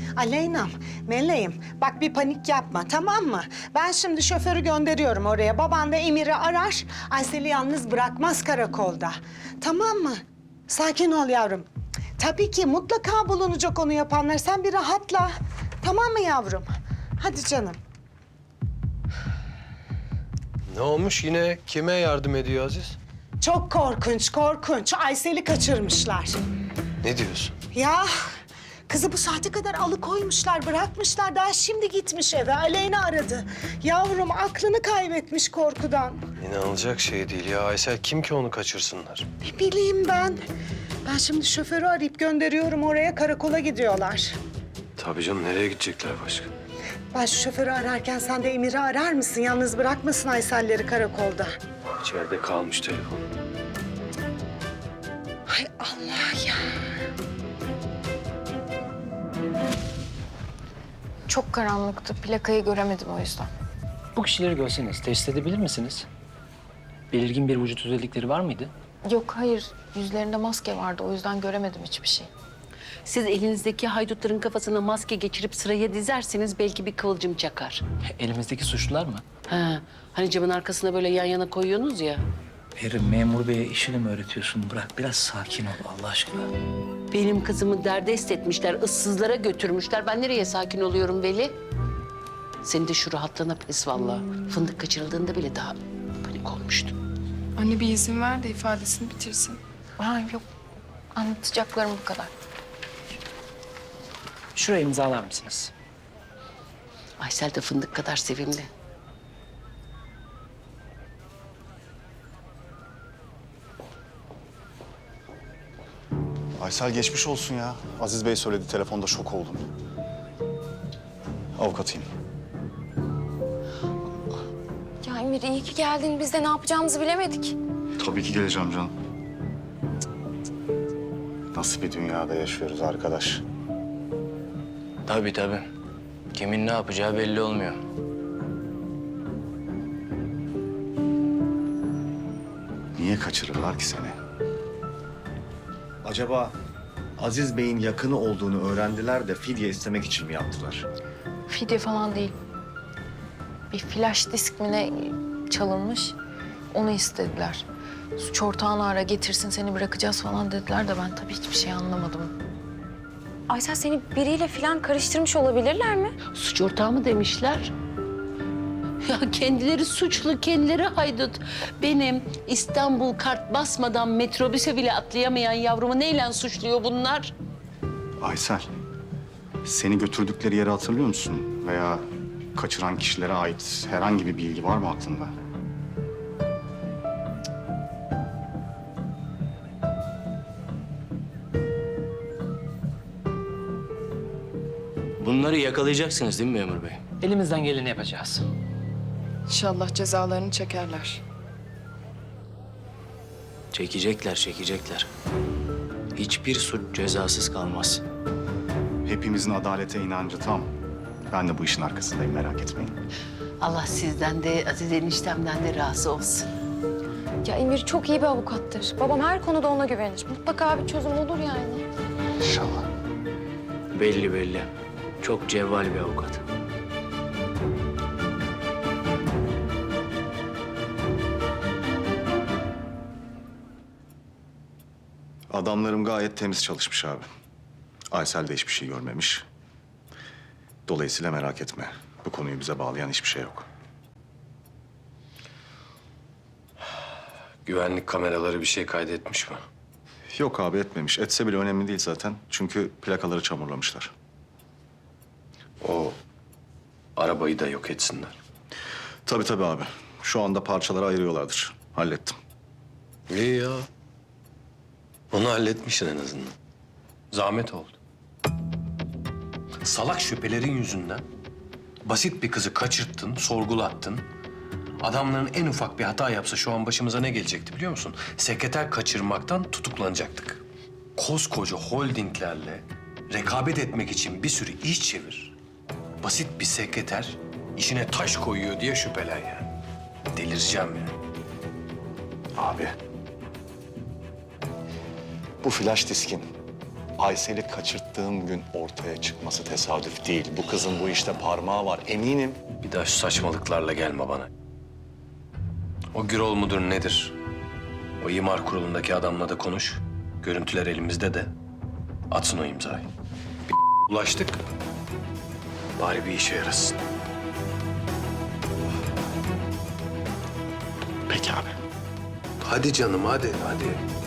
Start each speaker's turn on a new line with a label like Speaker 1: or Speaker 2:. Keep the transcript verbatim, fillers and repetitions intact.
Speaker 1: Aleyna'm, meleğim bak bir panik yapma tamam mı? Ben şimdi şoförü gönderiyorum oraya. Baban da Emir'i arar. Aysel'i yalnız bırakmaz karakolda. Tamam mı? Sakin ol yavrum. Tabii ki mutlaka bulunacak onu yapanlar. Sen bir rahatla. Tamam mı yavrum? Hadi canım.
Speaker 2: Ne olmuş yine? Kime yardım ediyor Aziz?
Speaker 1: Çok korkunç, korkunç. Aysel'i kaçırmışlar.
Speaker 2: Ne diyorsun?
Speaker 1: Ya kızı bu saate kadar alıkoymuşlar, bırakmışlar. Daha şimdi gitmiş eve. Aleyna aradı. Yavrum aklını kaybetmiş korkudan.
Speaker 2: İnanılacak şey değil ya. Aysel kim ki onu kaçırsınlar?
Speaker 1: Ne bileyim ben. Ben şimdi şoförü arayıp gönderiyorum oraya. Karakola gidiyorlar.
Speaker 2: Tabii canım, nereye gidecekler başka?
Speaker 1: Ben şu şoförü ararken sen de Emir'i arar mısın? Yalnız bırakmasın Aysel'leri karakolda.
Speaker 2: İçeride kalmış telefon.
Speaker 1: Hay Allah ya.
Speaker 3: Çok karanlıktı. Plakayı göremedim o yüzden.
Speaker 4: Bu kişileri görseniz test edebilir misiniz? Belirgin bir vücut özellikleri var mıydı?
Speaker 3: Yok hayır. Yüzlerinde maske vardı. O yüzden göremedim hiçbir şey.
Speaker 5: Siz elinizdeki haydutların kafasına maske geçirip sıraya dizerseniz belki bir kıvılcım çakar.
Speaker 4: Elimizdeki suçlular mı?
Speaker 5: Ha, hani camın arkasına böyle yan yana koyuyorsunuz ya.
Speaker 4: Erim, memur beye işini mi öğretiyorsun? Bırak biraz sakin ol Allah aşkına.
Speaker 5: Benim kızımı derdest etmişler, ıssızlara götürmüşler. Ben nereye sakin oluyorum Veli? Senin de şu rahatlığına pes vallahi. Fındık kaçırıldığında bile daha panik olmuştum.
Speaker 6: Anne bir izin ver de ifadesini bitirsin.
Speaker 3: Ha yok. Anlatacaklarım bu kadar.
Speaker 4: Şuraya imzalar mısınız?
Speaker 5: Aysel de fındık kadar sevimli.
Speaker 7: Aysel geçmiş olsun ya. Aziz Bey söyledi, telefonda şok oldum. Avukatıyım.
Speaker 3: Ya Emir iyi ki geldin. Biz de ne yapacağımızı bilemedik.
Speaker 7: Tabii ki geleceğim canım. Nasıl bir dünyada yaşıyoruz arkadaş?
Speaker 4: Tabii tabii. Kimin ne yapacağı belli olmuyor.
Speaker 7: Niye kaçırırlar ki seni? Acaba Aziz Bey'in yakını olduğunu öğrendiler de fidye istemek için mi yaptılar?
Speaker 3: Fidye falan değil. Bir flash disk mi ne çalınmış. Onu istediler. Suç ortağını ara getirsin seni bırakacağız falan dediler de ben tabii hiçbir şey anlamadım.
Speaker 8: Aysel seni biriyle falan karıştırmış olabilirler mi?
Speaker 5: Suç ortağı mı demişler? Ya kendileri suçlu, kendileri haydut. Benim İstanbul kart basmadan metrobüse bile atlayamayan yavrumu neyle suçluyor bunlar?
Speaker 7: Aysel, seni götürdükleri yeri hatırlıyor musun? Veya kaçıran kişilere ait herhangi bir bilgi var mı aklında?
Speaker 9: Bunları yakalayacaksınız değil mi memur bey?
Speaker 4: Elimizden geleni yapacağız.
Speaker 6: İnşallah cezalarını çekerler.
Speaker 9: Çekecekler, çekecekler. Hiçbir suç cezasız kalmaz.
Speaker 7: Hepimizin adalete inancı tam. Ben de bu işin arkasındayım, merak etmeyin.
Speaker 5: Allah sizden de Aziz eniştemden de razı olsun.
Speaker 8: Ya Emir çok iyi bir avukattır. Babam her konuda ona güvenir. Mutlaka bir çözüm olur yani.
Speaker 7: İnşallah.
Speaker 9: Belli belli. Çok cevval bir avukat.
Speaker 7: Adamlarım gayet temiz çalışmış abi. Aysel de hiçbir şey görmemiş. Dolayısıyla merak etme. Bu konuyu bize bağlayan hiçbir şey yok.
Speaker 2: Güvenlik kameraları bir şey kaydetmiş mi?
Speaker 7: Yok abi, etmemiş. Etse bile önemli değil zaten. Çünkü plakaları çamurlamışlar.
Speaker 2: O arabayı da yok etsinler.
Speaker 7: Tabii tabii abi. Şu anda parçalara ayırıyorlardır. Hallettim.
Speaker 2: İyi ya. Onu halletmişsin en azından. Zahmet oldu. Salak şüphelerin yüzünden basit bir kızı kaçırttın, sorgulattın. Adamların en ufak bir hata yapsa şu an başımıza ne gelecekti biliyor musun? Sekreter kaçırmaktan tutuklanacaktık. Koskoca holdinglerle rekabet etmek için bir sürü iş çevir. Basit bir sekreter işine taş koyuyor diye şüphelen yani. Delireceğim yani.
Speaker 7: Abi. Bu flash diskin Aysel'i kaçırttığım gün ortaya çıkması tesadüf değil. Bu kızın bu işte parmağı var eminim.
Speaker 2: Bir daha şu saçmalıklarla gelme bana. O Gürol mudur nedir? O imar kurulundaki adamla da konuş. Görüntüler elimizde de. Atsın o imzayı. Bir ulaştık. Bari bir işe yarasın.
Speaker 7: Peki abi.
Speaker 2: Hadi canım hadi hadi.